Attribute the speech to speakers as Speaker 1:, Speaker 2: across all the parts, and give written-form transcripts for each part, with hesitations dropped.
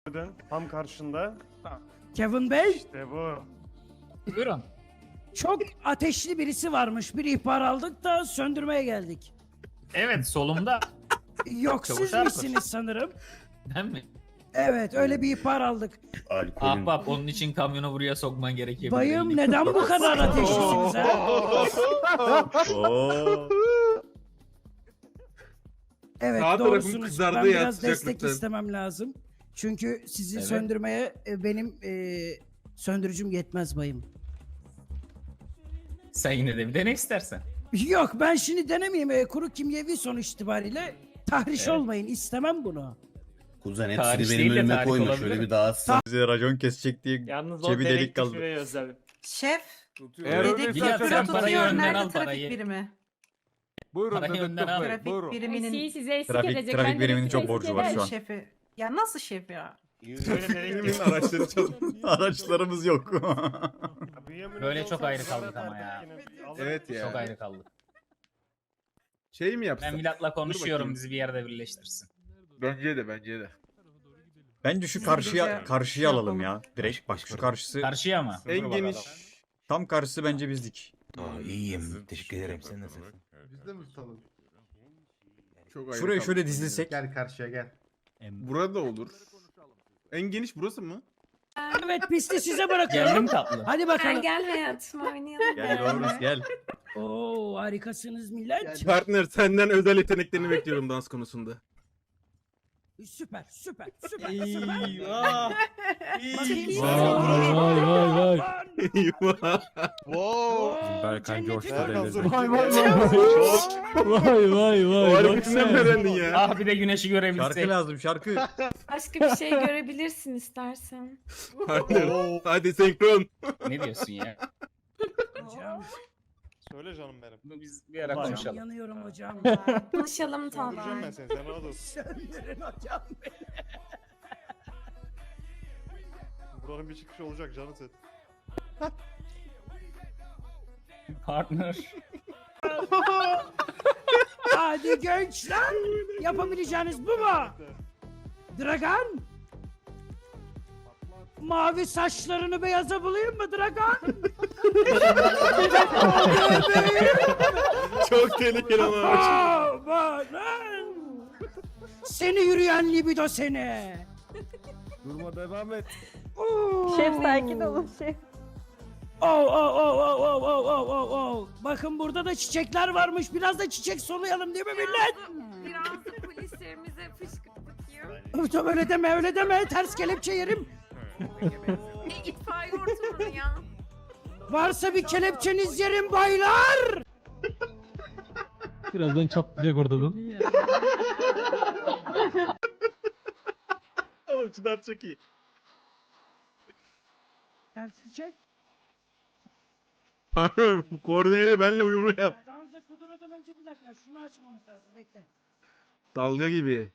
Speaker 1: Tam karşında.
Speaker 2: Kevin Bey,
Speaker 1: İşte bu.
Speaker 3: Buyurun.
Speaker 2: çok ateşli birisi varmış. Bir ihbar aldık da söndürmeye geldik.
Speaker 3: Evet, solumda.
Speaker 2: Yok,
Speaker 3: Çavuş
Speaker 2: siz
Speaker 3: Erkut.
Speaker 2: misiniz sanırım?
Speaker 3: Ben mi?
Speaker 2: Evet, öyle bir ihbar aldık.
Speaker 3: Ahbap, onun için kamyonu buraya sokman gerekebilir.
Speaker 2: Bayım, neden bu kadar ateşlisiniz ha? Evet,
Speaker 4: Sağ tarafım
Speaker 2: doğrusunuz.
Speaker 4: kızardı
Speaker 2: Ben
Speaker 4: ya,
Speaker 2: biraz destek
Speaker 4: sıcaklıktan.
Speaker 2: istemem lazım. Çünkü sizi
Speaker 3: Evet.
Speaker 2: söndürmeye benim söndürücüm yetmez bayım.
Speaker 3: Sen yine de bir dene istersen.
Speaker 2: Yok, ben şimdi denemeyeyim. Kuru kimyevi sonuç itibariyle tahriş
Speaker 3: Evet.
Speaker 2: olmayın. İstemem bunu.
Speaker 5: Kuzen
Speaker 3: Tarih
Speaker 5: hepsini
Speaker 3: değil
Speaker 5: benim
Speaker 3: de
Speaker 5: önüme
Speaker 3: tarih
Speaker 5: koyma.
Speaker 3: olabilir
Speaker 5: Şöyle
Speaker 3: mi?
Speaker 5: bir dağıtsam.
Speaker 6: Bize racon kesecek diye
Speaker 1: Yalnız
Speaker 6: cebi delik kaldı.
Speaker 7: Şef,
Speaker 4: Eğer
Speaker 7: dedektif
Speaker 4: öyleyse
Speaker 3: Bilat, sen
Speaker 7: büro
Speaker 3: parayı
Speaker 7: tutuyor.
Speaker 3: önden
Speaker 7: Nerede
Speaker 3: al,
Speaker 7: trafik
Speaker 3: parayı.
Speaker 7: birimi?
Speaker 4: buyurun
Speaker 3: Parayı
Speaker 4: dedektif
Speaker 3: önden al.
Speaker 4: bey,
Speaker 7: Trafik
Speaker 4: buyurun.
Speaker 7: biriminin
Speaker 8: size eşlik
Speaker 6: Trafik-
Speaker 8: edecek.
Speaker 6: trafik
Speaker 8: Ben de
Speaker 6: biriminin çok
Speaker 8: eşlik
Speaker 6: borcu var şu an.
Speaker 7: şefi. Ya nasıl şef ya?
Speaker 4: Araçları
Speaker 6: Araçlarımız yok.
Speaker 3: Böyle çok ayrı kaldık ama ya.
Speaker 4: Evet ya.
Speaker 3: Çok ayrı kaldık.
Speaker 4: Şey mi yapsak?
Speaker 3: Ben Milat'la konuşuyorum,
Speaker 4: bakayım.
Speaker 3: bizi bir yerde birleştirsin.
Speaker 4: Bence de.
Speaker 6: Bence şu
Speaker 7: Biz
Speaker 6: karşıya
Speaker 7: gece
Speaker 6: karşıya
Speaker 7: şey
Speaker 6: alalım
Speaker 7: yapalım.
Speaker 6: ya. Direkt bak şu karşısı
Speaker 3: Karşıya mı?
Speaker 4: En geniş.
Speaker 6: tam karşısı bence bizdik.
Speaker 9: İyiyim. Teşekkür ederim. Sen nasılsın?
Speaker 4: Biz de mi tutalım? Çok ayrı
Speaker 6: Şuraya
Speaker 4: kaldık
Speaker 6: şöyle
Speaker 4: ya.
Speaker 6: dizilsek.
Speaker 10: Gel karşıya gel.
Speaker 4: Burada olur. En geniş burası mı?
Speaker 2: Evet, pisti size bırakıyorum.
Speaker 3: Geldim tatlı.
Speaker 2: Hadi bakalım.
Speaker 8: Gel hayatım oynayalım.
Speaker 6: Gel Doğruz gel.
Speaker 2: Oo, harikasınız millet.
Speaker 4: Partner senden özel yeteneklerini bekliyorum dans konusunda.
Speaker 2: Süper. Bakayım.
Speaker 4: Eyvah.
Speaker 2: Berkan coştu
Speaker 4: O hareketinden mi öğrendin ya?
Speaker 3: Ah, bir de güneşi
Speaker 6: Şarkı
Speaker 3: görebilsek.
Speaker 6: lazım şarkı.
Speaker 8: Başka bir şey görebilirsin istersen.
Speaker 4: Partner. Hadi senkron.
Speaker 3: Ne diyorsun ya?
Speaker 2: Hocam,
Speaker 1: Söyle canım benim.
Speaker 3: Biz bir ara
Speaker 2: hocam
Speaker 3: konuşalım.
Speaker 2: yanıyorum hocam.
Speaker 8: Konuşalım
Speaker 1: Söndüreceğim ben
Speaker 8: tatlım.
Speaker 1: seni. Sen rahat ol.
Speaker 2: Söndürün hocam.
Speaker 1: Buranın bir çıkışı olacak canım sen.
Speaker 3: Partner.
Speaker 2: Hadi gençler. Yapabileceğiniz bu mu? Dragan. Mavi saçlarını beyaza bulayım mı Dragan?
Speaker 4: Çok tehlikeli ama.
Speaker 2: Amanın. Seni yürüyen libido seni.
Speaker 1: Durma devam et.
Speaker 8: Şef sakin olun şef.
Speaker 2: Bakın burada da çiçekler varmış. Biraz da çiçek soluyalım değil mi millet?
Speaker 8: Biraz da polislerimize fışkırt bakayım.
Speaker 2: Öyle deme. Ters kelepçe yerim.
Speaker 8: İtfaiye ortamını ya.
Speaker 2: Varsa bir kelepçeniz yerim baylar.
Speaker 10: Birazdan çatlayacak ortadan.
Speaker 4: Oğlum Çınar çok iyi.
Speaker 2: Ters çiçek.
Speaker 4: Koordineli benimle uyumlu yap.
Speaker 2: Danza kudurmadan önce bir dakika. Şunu açmamız lazım. Bekle.
Speaker 4: Dalga gibi.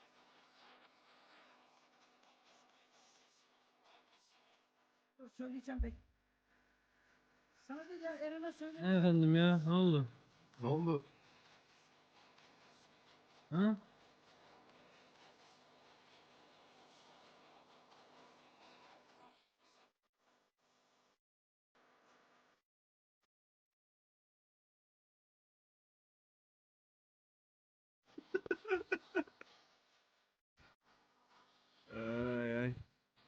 Speaker 2: Dur söyleyeceğim bekle. Sana değil ya Eren'e söyle.
Speaker 10: Efendim ya ne oldu?
Speaker 4: Ne oldu?
Speaker 10: Ha?
Speaker 4: Ay ay.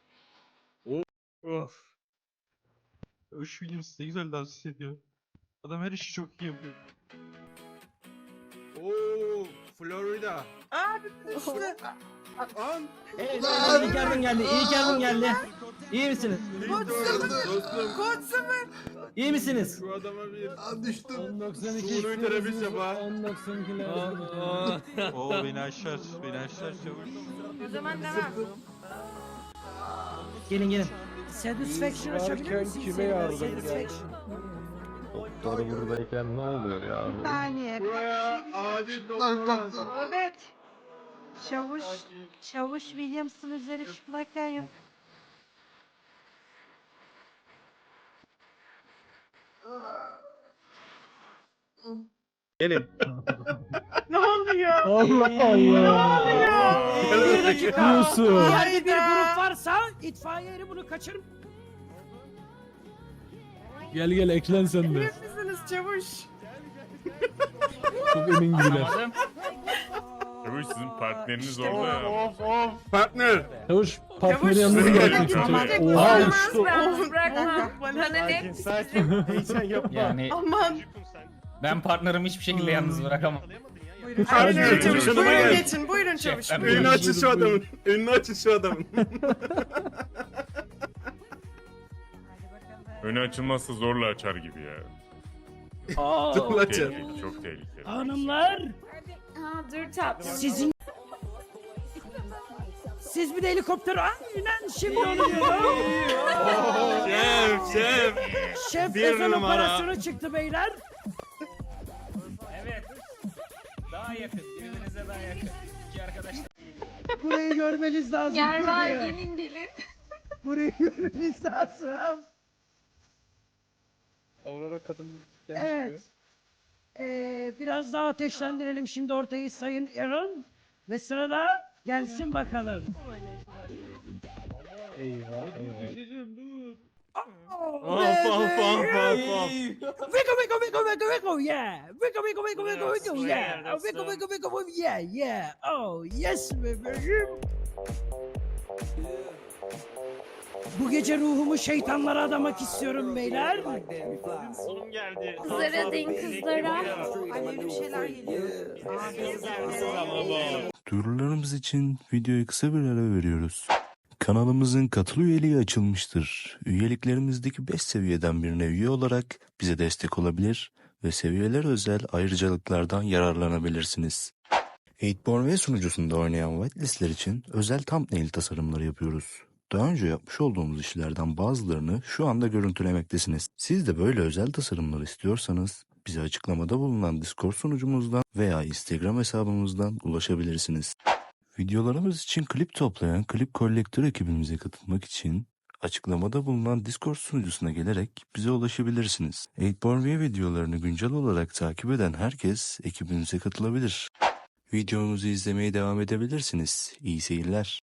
Speaker 10: Of. Öş Williams ne güzel dans ediyor. Adam her işi çok iyi yapıyor.
Speaker 4: Oo, Florida.
Speaker 7: Abi kuşlu.
Speaker 4: An.
Speaker 10: Evet, iyi geldin geldi. İyi geldin geldi. İyi misiniz?
Speaker 4: Dostum.
Speaker 7: Koçsumun.
Speaker 10: İyi misiniz?
Speaker 4: Şu adama bir.
Speaker 10: Düştüm. 1092
Speaker 4: Suni teneffüs yap ha.
Speaker 10: 1092 lazım. Oo beni aşar. Beni aşar çabuk.
Speaker 8: O zaman devam.
Speaker 10: Gelin.
Speaker 2: Satisfaction açabilir misin? Kime yardım
Speaker 10: Doktor buradayken ne oluyor ya?
Speaker 7: Saniye.
Speaker 4: Buraya acil doktor.
Speaker 7: Evet. Çavuş Williams'ın üzeri çıplakken yok.
Speaker 6: Gelin.
Speaker 7: Ne oluyor?
Speaker 10: Allah Allah.
Speaker 2: Bir dakika.
Speaker 10: Diyorsun.
Speaker 2: Yerde bir grup var itfaiye eri bunu kaçırın.
Speaker 5: Gel gel eklen sen de.
Speaker 8: Misiniz çavuş?
Speaker 5: Çok emin gibiler.
Speaker 3: Anlamadım.
Speaker 11: Çavuş sizin partneriniz
Speaker 1: Of
Speaker 11: orada ya.
Speaker 1: of of.
Speaker 4: Partner.
Speaker 5: Çavuş partneri yalnız
Speaker 11: Çavuş,
Speaker 5: bırakın.
Speaker 11: çavuş.
Speaker 5: Oha
Speaker 8: Olmaz
Speaker 5: uçtu.
Speaker 8: ben bırakmam. Bana
Speaker 1: Sakin
Speaker 8: ne?
Speaker 1: sakin. Heyecan yapma.
Speaker 3: Yani
Speaker 7: Aman.
Speaker 3: ben partnerimi hiçbir şekilde yalnız bırakamam.
Speaker 7: Aynen öyle
Speaker 4: Çavuş,
Speaker 7: çavuş.
Speaker 4: yanıma
Speaker 7: Buyurun
Speaker 4: gel.
Speaker 7: geçin. Buyurun çavuş.
Speaker 3: Şef, ben
Speaker 7: Buyurun.
Speaker 4: Önünü açın şu adamın. Önünü açın şu adamın.
Speaker 11: Önü açılmazsa zorla açar gibi ya.
Speaker 2: Oo,
Speaker 4: Zorla açar.
Speaker 11: Tehlikeli, çok tehlikeli.
Speaker 2: hanımlar
Speaker 8: Ha dur tatlım.
Speaker 2: sizin... Siz bir de helikopter aynen şimdi onu diyorum.
Speaker 4: Şef.
Speaker 2: Şef
Speaker 4: Bir
Speaker 2: özel
Speaker 4: numara.
Speaker 2: operasyona çıktı beyler.
Speaker 3: Evet. Daha yakın. Birbirinize daha yakın. İki arkadaş.
Speaker 2: Burayı görmeniz lazım.
Speaker 8: Gel var
Speaker 2: burayı.
Speaker 8: gelin gelin.
Speaker 2: Burayı görmeniz lazım.
Speaker 1: Aurora kadın
Speaker 2: Evet. Biraz daha ateşlendirelim şimdi ortayı Sayın Aaron. Ve sırada gelsin bakalım.
Speaker 4: Of of of.
Speaker 2: Vico, Vico, Vico, Vico, Vico, yeah. Vico, Vico, Vico, Vico, Vico, yeah. Vico, Vico, Vico, yeah, yeah. Oh, yes bebeğim. Bu gece ruhumu şeytanlara adamak istiyorum beyler.
Speaker 1: Oğlum geldi.
Speaker 8: Kızlara deyin kızlara.
Speaker 7: Alev bir şeyler geliyor.
Speaker 9: Duyurularımız için videoya kısa bir ara veriyoruz. Kanalımızın katıl üyeliği açılmıştır. Üyeliklerimizdeki 5 seviyeden birine üye olarak bize destek olabilir ve seviyeler özel ayrıcalıklardan yararlanabilirsiniz. 8born ve sunucusunda oynayan whitelistler için özel thumbnail tasarımları yapıyoruz. Daha önce yapmış olduğumuz işlerden bazılarını şu anda görüntülemektesiniz. Siz de böyle özel tasarımlar istiyorsanız bize açıklamada bulunan Discord sunucumuzdan veya Instagram hesabımızdan ulaşabilirsiniz. Videolarımız için klip toplayan Klip Collector ekibimize katılmak için açıklamada bulunan Discord sunucusuna gelerek bize ulaşabilirsiniz. 8born videolarını güncel olarak takip eden herkes ekibimize katılabilir. Videomuzu izlemeye devam edebilirsiniz. İyi seyirler.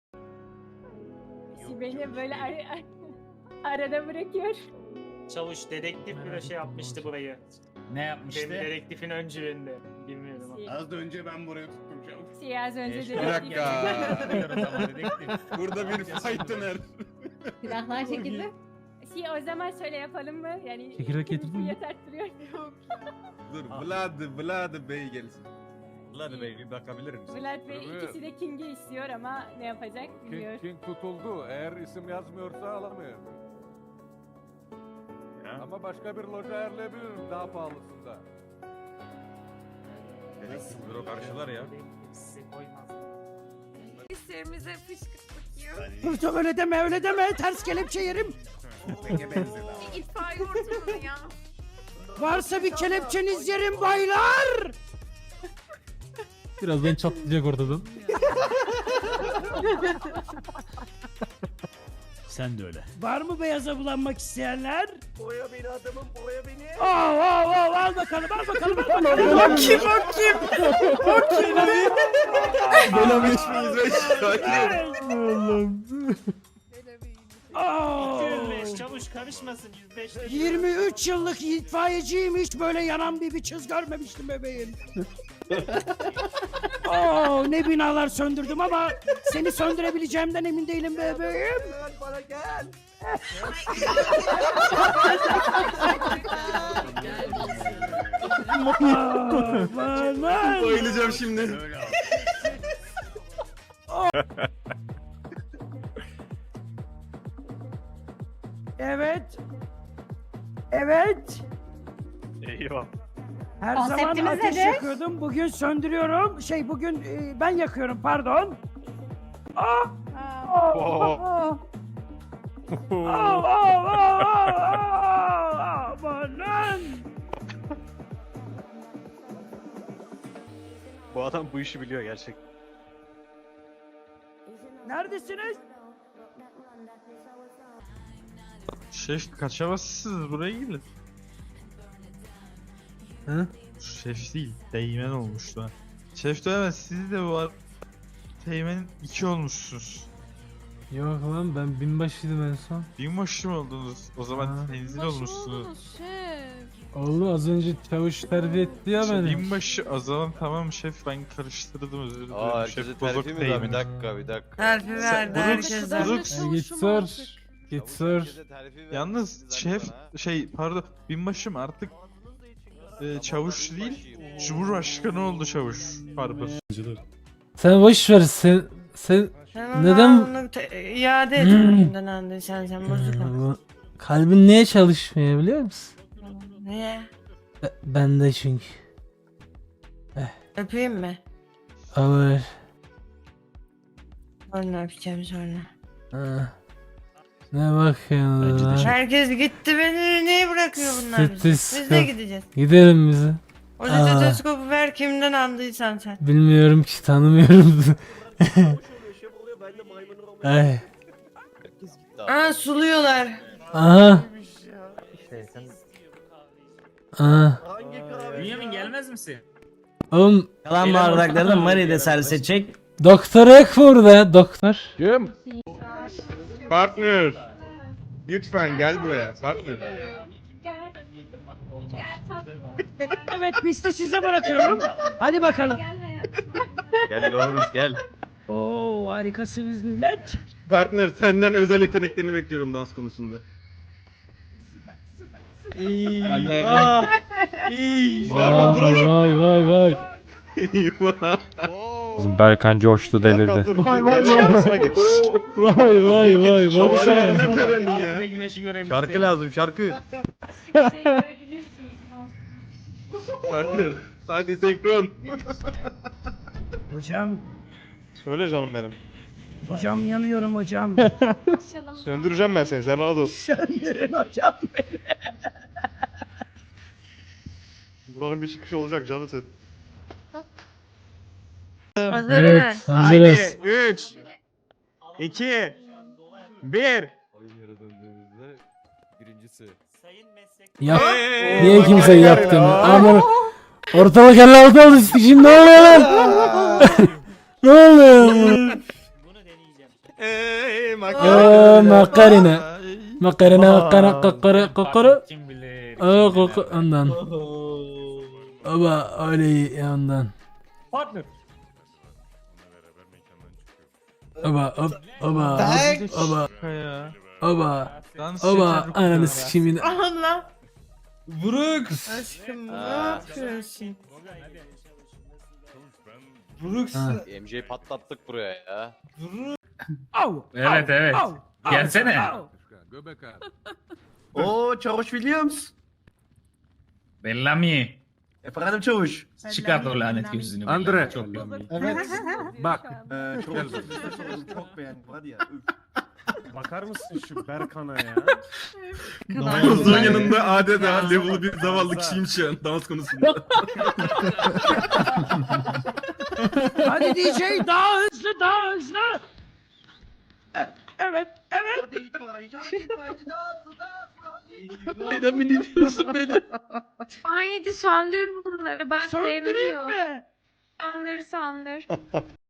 Speaker 8: Beni böyle arada bırakıyor.
Speaker 12: Çavuş dedektif bir şey yapmıştı burayı.
Speaker 3: Ne yapmıştı?
Speaker 12: Dedektifin öncülüğünde. Bilmiyorum ama.
Speaker 4: Az da önce ben buraya tuttum çabuk.
Speaker 8: Az önce
Speaker 3: Bir
Speaker 4: dakika.
Speaker 3: Bilmiyoruz ama dedektif.
Speaker 4: Burada bir fight döner.
Speaker 8: Silahlar çekildi. O zaman şöyle yapalım mı? Yani
Speaker 5: Çekirdek getirdin mi?
Speaker 8: yeter duruyor.
Speaker 4: Dur Vlad Bey gelsin.
Speaker 6: Vlad Bey bir bakabilir misin?
Speaker 8: Vlad Bey ikisi de King'i istiyor ama ne yapacak bilmiyor.
Speaker 10: King tutuldu. Eğer isim yazmıyorsa alamıyor. Ama başka bir loja ayarlayabilirim daha pahalısında.
Speaker 6: Bro karşılar ya.
Speaker 8: Polislerimize fışkırtmak yiyor.
Speaker 2: Hırsım öyle deme öyle deme. Ters kelepçe yerim.
Speaker 8: İtfaiye ortamını ya.
Speaker 2: Varsa bir kelepçeniz yerim baylar.
Speaker 5: Birazdan çatlayacak ortadan.
Speaker 12: Sen de öyle.
Speaker 2: Var mı beyaza bulanmak isteyenler?
Speaker 1: Boya beni adamım boya beni.
Speaker 2: Al bakalım al bakalım al bakalım.
Speaker 7: O kim o kim? O kim?
Speaker 4: Bela 5005 sakin ol.
Speaker 5: Allah'ım.
Speaker 2: Oo.
Speaker 12: 205 çavuş karışmasın 105.
Speaker 2: 23 yıllık itfaiyeciyim hiç böyle yanan bir çiz görmemiştim bebeğim. Oo, ne binalar söndürdüm ama seni söndürebileceğimden emin değilim bebeğim.
Speaker 1: Bana gel.
Speaker 2: Aman.
Speaker 4: Bayılacağım şimdi.
Speaker 2: Evet. Evet.
Speaker 1: Eyvah.
Speaker 2: Her zaman
Speaker 8: Konseptimiz
Speaker 2: ateş
Speaker 8: nedir?
Speaker 2: yakıyordum. Bugün söndürüyorum. Bugün ben yakıyorum pardon. Amanın.
Speaker 1: Bu adam bu işi biliyor gerçek.
Speaker 2: Neredesiniz?
Speaker 10: Şef kaçamazsınız buraya gelin.
Speaker 5: Hı?
Speaker 10: Şef değil, Teğmen olmuştu ha. Şef dövemez, siz de var. Teğmen'in 2 olmuşsunuz.
Speaker 5: Yok lan ben binbaşıydım en son.
Speaker 10: Binbaşı mı oldunuz? O zaman
Speaker 5: Ha.
Speaker 10: tenzil olmuşsunuz.
Speaker 5: Oldu az önce çavuş terbiye etti ya beni.
Speaker 10: Binbaşı o zaman tamam şef, ben karıştırdım, özür dilerim. Şef bozuk
Speaker 6: Bir
Speaker 10: değil.
Speaker 6: dakika.
Speaker 7: Terfi verdi herkese.
Speaker 5: Ya git sor. Git sor.
Speaker 10: Yalnız şef pardon, binbaşım artık çavuş değil, Cumhurbaşkanı oldu çavuş. Pardon.
Speaker 5: Sen boş ver sen
Speaker 7: Sen
Speaker 5: Neden-
Speaker 7: onu iade et kimden aldıysan sen bozuk ol.
Speaker 5: kalbin niye çalışmıyor biliyor musun?
Speaker 7: Niye?
Speaker 5: Bende çünkü.
Speaker 7: Öpeyim mi?
Speaker 5: Olur.
Speaker 7: Sonra öpeceğim sonra.
Speaker 5: Ha. Ne bakıyorsun lan?
Speaker 7: Herkes gitti, beni niye bırakıyor bunlar bizi? Biz de
Speaker 5: Stetoskop.
Speaker 7: gideceğiz.
Speaker 5: Gidelim bize.
Speaker 7: O
Speaker 5: Aa.
Speaker 7: stetoskopu ver kimden aldıysan sen.
Speaker 5: Bilmiyorum ki tanımıyorum. Ay.
Speaker 7: Aa, suluyorlar.
Speaker 5: Aha. Aha.
Speaker 3: Bünyamin gelmez misin?
Speaker 5: Oğlum
Speaker 2: Kalan bardakları Mari de servis çek.
Speaker 5: doktor yok burada doktor.
Speaker 4: Kim? Partner. Lütfen gel buraya partner.
Speaker 2: Evet biz de size bırakıyorum. Hadi bakalım.
Speaker 6: Gel oğlum gel.
Speaker 2: Oo harikasınız millet.
Speaker 4: Partner senden özel yeteneklerini bekliyorum dans konusunda.
Speaker 5: Vay.
Speaker 11: Berkan coştu delirdi.
Speaker 5: Vay. Baksana.
Speaker 4: Ne töreni ya?
Speaker 6: Şarkı lazım şarkı.
Speaker 4: Partner. Hadi senkron.
Speaker 2: Hocam,
Speaker 1: Söyle canım benim.
Speaker 2: hocam yanıyorum hocam.
Speaker 1: Söndüreceğim ben seni. Sen rahat ol.
Speaker 2: Söndürün hocam.
Speaker 1: Buranın bir çıkışı olacak canı set.
Speaker 7: Hazır
Speaker 5: Evet,
Speaker 7: mı?
Speaker 5: hazırız.
Speaker 6: 3 2 1 Birincisi.
Speaker 12: Sayın meslek.
Speaker 5: Yap. Niye kimse yaptın? Ama ortalık Allah'ta oldu şimdi ne oluyor lan? Ne oluyor?
Speaker 12: Bunu deneyeceğim.
Speaker 5: Makarina. Makarina.
Speaker 3: Kim bilir.
Speaker 5: Ondan. Baba öyle ondan.
Speaker 3: Partner.
Speaker 5: Baba
Speaker 10: Ya.
Speaker 5: baba
Speaker 10: Dans
Speaker 5: baba
Speaker 10: şeker
Speaker 5: ananı
Speaker 10: kokuyor.
Speaker 5: sikeyim yine.
Speaker 7: Allah.
Speaker 3: Vuruk.
Speaker 7: Aşkım ne yapıyorsun?
Speaker 5: Ha.
Speaker 6: MJ'yi patlattık buraya ya.
Speaker 2: Au.
Speaker 3: Evet evet.
Speaker 2: Au.
Speaker 3: Gelsene.
Speaker 2: Au.
Speaker 13: Oo Çavuş Williams.
Speaker 3: Bellamy.
Speaker 13: Efendim Çavuş.
Speaker 3: Çıkart o lanet gözünü.
Speaker 4: Andre.
Speaker 3: Çok
Speaker 1: Evet.
Speaker 4: Bak.
Speaker 13: Çok çok beğendim hadi ya.
Speaker 1: Bakar mısın şu Berkan'a ya?
Speaker 4: Kozluğun yanında adeta level bir zavallı kişiyim şu an dans konusunda.
Speaker 2: Hadi DJ daha hızlı daha hızlı. Evet.
Speaker 10: Neden beni dinliyorsun beni?
Speaker 8: Haydi söndür bunları. Ben
Speaker 2: Söndüreyim
Speaker 8: sevmiyorum.
Speaker 2: mi?
Speaker 8: Söndür.